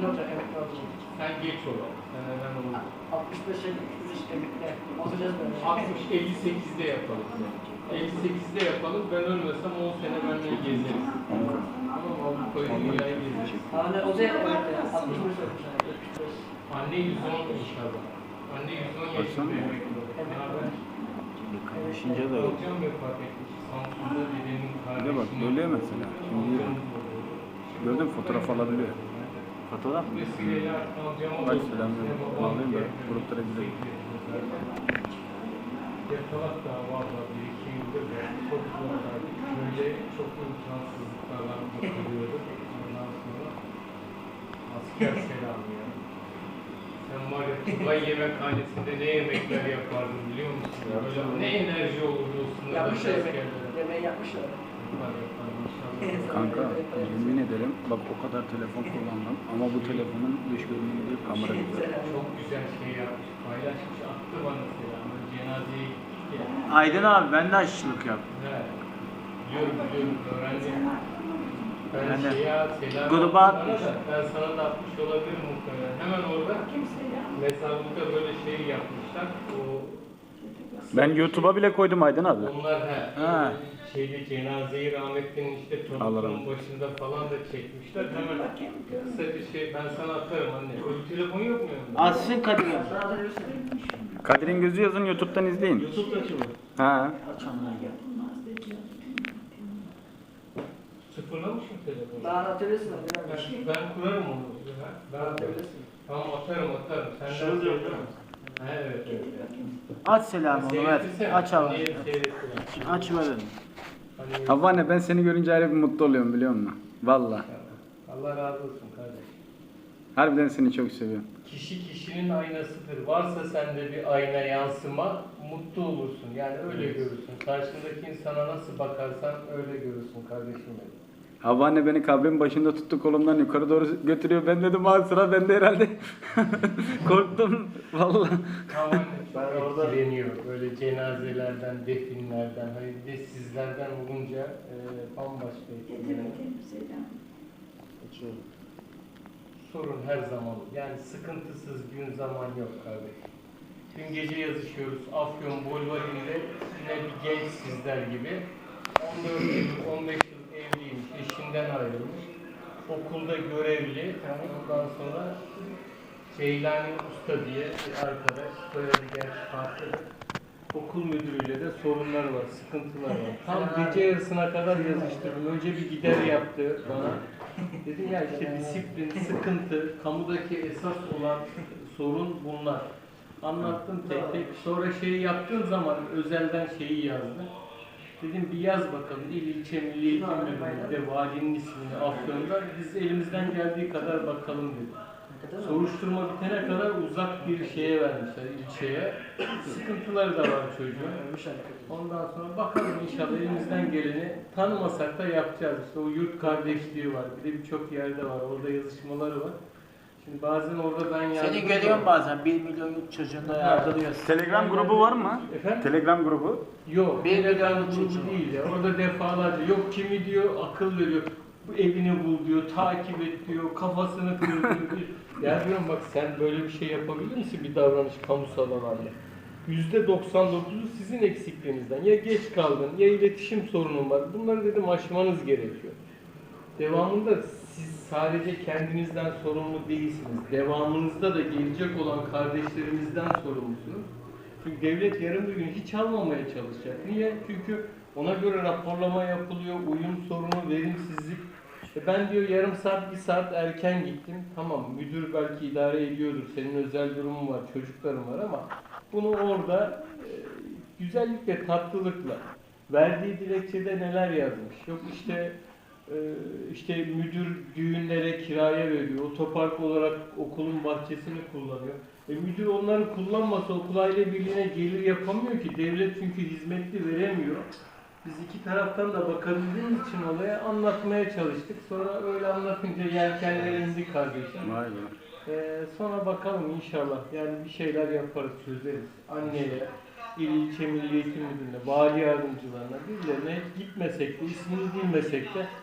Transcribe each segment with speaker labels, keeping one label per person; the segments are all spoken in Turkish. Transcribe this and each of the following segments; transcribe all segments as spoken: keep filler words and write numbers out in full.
Speaker 1: olacak emekli olacak.
Speaker 2: Sen geç olan. Sen hemen olur.
Speaker 1: altmış beşe gittik emekli. Olacağız böyle.
Speaker 2: altmış elli sekizde yapalım. elli sekizde yapalım. Ben ölmesem on sene benimle gezeriz. Tamam mı? Avrupa'yı, dünyayı gezeriz.
Speaker 1: Hani o da emekli. altmış beş olmuş. yetmiş beş.
Speaker 2: Anne yüz on inşallah. Anne yüz on yaşında emekli olur. Ne haber?
Speaker 3: Kaynaşınca da yok.
Speaker 2: Hocam vefat etmiş. Samsun'da dedenin
Speaker 3: Bir
Speaker 2: kardeşinin...
Speaker 3: de bak böyle mesela. Şimdi gördün mü, fotoğraf alabiliyor. Fotoğraf mı?
Speaker 2: Vesileyle alacağım.
Speaker 3: Bak selamünaleyküm. Bağlayayım da gruplara gidelim.
Speaker 2: Yatalak da valla bir iki yıldır da çok zorlardı. Böyle çok imkansızlıklarla bakılıyordu. Ondan sonra asker selamı ya. Sen var ya Tugay yemekhanesinde ne yemekler yapardın biliyor musun? Böyle ne enerji olurdu o sınırdaki
Speaker 1: Yapmış yemek.
Speaker 2: askerlere.
Speaker 1: Yemeği yapmışlar.
Speaker 2: Yapar yapar inşallah.
Speaker 3: Kanka yemin ederim bak o kadar telefon kullandım ama bu telefonun dış görünümü değil, kamera güzel.
Speaker 2: Çok güzel şey yapmış. Paylaşmış attı bana selamı. Cenazeye gittik ya.
Speaker 3: Aydın abi ben de aşçılık yaptım.
Speaker 2: Evet. Biliyorum biliyorum öğrendim. Ben
Speaker 3: Yani
Speaker 2: şeye selam
Speaker 3: gruba
Speaker 2: attım
Speaker 3: atmış.
Speaker 2: bana da, ben sana da atmış olabilirim muhtemelen. Hemen orada mezarlıkta böyle şey yapmışlar. O
Speaker 3: Ben YouTube'a bile koydum Aydın abi.
Speaker 2: onlar he,
Speaker 3: Ha.
Speaker 2: şeyde cenazeyi rahmetlinin işte
Speaker 3: Allah
Speaker 2: torunun
Speaker 3: rahmet
Speaker 2: başında falan da çekmişler. Hemen kısa bir şey ben sana atarım anne. Öyle telefon yok mu yanında?
Speaker 3: Açsın Kadir.
Speaker 1: Sana da görürsün.
Speaker 3: Kadir'in gözü yazın YouTube'dan izleyin.
Speaker 2: YouTube'da açılır.
Speaker 3: Ha.
Speaker 2: Sıfırlamışım telefonu.
Speaker 1: Daha atabilirsin.
Speaker 2: Ben,
Speaker 1: Ben
Speaker 2: ben kurarım onu. Ben
Speaker 1: atabilirsin.
Speaker 2: Tamam atarım atarım. Sen
Speaker 1: Şunu
Speaker 2: de
Speaker 1: da
Speaker 2: atarım. Evet evet.
Speaker 3: Aç selamı onu ver.
Speaker 2: Seyrettirsene.
Speaker 3: Aç abi.
Speaker 2: Niye seyrettiler?
Speaker 3: Aç ver dedim.
Speaker 2: Hani-
Speaker 3: Havva anne ben seni görünce ayrı bir mutlu oluyorum biliyor musun? Valla.
Speaker 2: Allah razı olsun kardeş.
Speaker 3: Harbiden seni çok seviyorum.
Speaker 2: Kişi kişinin aynasıdır. Varsa sende bir ayna yansıma mutlu olursun. Yani öyle görürsün. Karşındaki insana nasıl bakarsan öyle görürsün kardeşim benim.
Speaker 3: Havva anne beni kabrin başında tuttu, kolumdan yukarı doğru götürüyor. Ben dedim ha sıra bende herhalde. Korktum valla.
Speaker 2: Tamam. Ben orada etkileniyor. Böyle cenazelerden, definlerden, hani bir de sizlerden olunca e, bambaşka etkileniyor. Sorun her zaman. Yani sıkıntısız gün zaman yok kardeş. Dün gece yazışıyoruz. Afyon Bolvari'nde yine bir genç sizler gibi. on dört yıl, on beş yıl evliymiş, eşinden ayrılmış. Okulda görevli. Ondan sonra Ceylani Usta diye bir arkadaş. Soyadı gerçi farklı. Okul müdürüyle de sorunlar var, sıkıntılar var. Tam gece yarısına kadar yazıştırdım. Önce bir gider yaptı bana. Dedim ya işte disiplin, sıkıntı, kamudaki esas olan sorun bunlar. Anlattım tek tek. Sonra şeyi yaptığım zaman özelden şeyi yazdı. Dedim bir yaz bakalım il ilçe milli eğitim müdürlüğünde valinin ismini Afyon'da biz elimizden geldiği kadar bakalım dedim. Soruşturma bitene kadar uzak bir şeye vermişler ilçeye. Sıkıntıları da var çocuğun. Ondan sonra bakalım inşallah elimizden geleni tanımasak da yapacağız. İşte o yurt kardeşliği var. Bir de birçok yerde var. Orada yazışmaları var. Şimdi bazen orada ben yardım
Speaker 4: Seni görüyorum bazen bir milyon yurt çocuğunda yardırıyorsun.
Speaker 3: Telegram grubu var mı?
Speaker 2: Efendim?
Speaker 3: Telegram grubu.
Speaker 2: Yok.
Speaker 4: Bir
Speaker 2: Telegram
Speaker 4: milyon
Speaker 2: grubu
Speaker 4: çocuğu.
Speaker 2: değil ya. Orada defalarca yok kimi diyor akıl veriyor. Bu evini bul diyor, takip et diyor, kafasını kır diyor. Ya diyorum bak sen böyle bir şey yapabilir misin bir davranış kamusal alanda? yüzde doksan dokuzu sizin eksikliğinizden. Ya geç kaldın, ya iletişim sorunun var. Bunları dedim aşmanız gerekiyor. Devamında siz sadece kendinizden sorumlu değilsiniz. Devamınızda da gelecek olan kardeşlerimizden sorumlusunuz. Çünkü devlet yarın bir gün hiç almamaya çalışacak. Niye? Çünkü ona göre raporlama yapılıyor, uyum sorunu, verimsizlik. E ben diyor yarım saat, bir saat erken gittim. Tamam müdür belki idare ediyordur, senin özel durumun var, çocukların var ama bunu orada e, güzellik ve tatlılıkla verdiği dilekçede neler yazmış. Yok işte e, işte müdür düğünlere kiraya veriyor, otopark olarak okulun bahçesini kullanıyor. E müdür onları kullanmasa okul aile birliğine gelir yapamıyor ki. Devlet çünkü hizmetli veremiyor. Biz iki taraftan da bakabildiğimiz için olaya anlatmaya çalıştık. Sonra öyle anlatınca yelkenler indi kardeşim.
Speaker 3: Vay be.
Speaker 2: Ee, sonra bakalım inşallah. Yani bir şeyler yaparız, çözeriz. Anneye, il ilçe milli eğitim müdürlüğüne, vali yardımcılarına, birilerine gitmesek de, ismini bilmesek de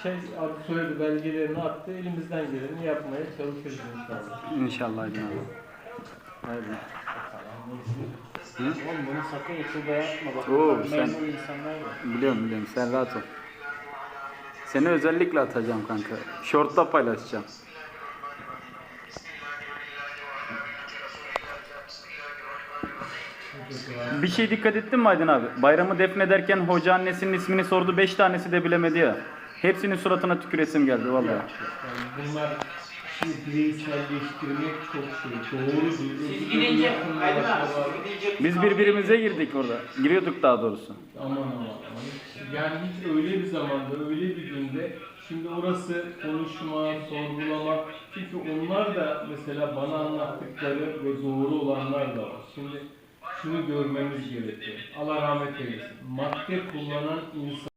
Speaker 2: şey adı söyledi, belgelerini attı. Elimizden geleni yapmaya çalışırız inşallah.
Speaker 3: İnşallah Aydın abi. Haydi. Hı?
Speaker 4: Oğlum bunu sakın YouTube'a yapma bak.
Speaker 3: Oo,
Speaker 4: Memnun
Speaker 3: sen-
Speaker 4: insanlar var.
Speaker 3: Biliyorum biliyorum, sen rahat ol. Seni özellikle atacağım kanka. Short'ta paylaşacağım. Bir şey dikkat ettin mi Aydın abi? Bayramı defnederken hoca annesinin ismini sordu, beş tanesi de bilemedi ya. Hepsinin suratına tüküresim geldi vallahi.
Speaker 2: Yani bunlar şimdi bireyselleştirmek çok şey. Doğru değil.
Speaker 4: Siz gidince Aydın abi siz gidince
Speaker 3: Biz birbirimize girdik orada. Giriyorduk daha doğrusu.
Speaker 2: Aman aman aman. Yani hiç öyle bir zamanda, öyle bir günde şimdi orası konuşma, sorgulama. Çünkü onlar da mesela bana anlattıkları ve doğru olanlar da var. Şimdi şunu görmemiz gerekiyor. Allah rahmet eylesin. Madde kullanan insan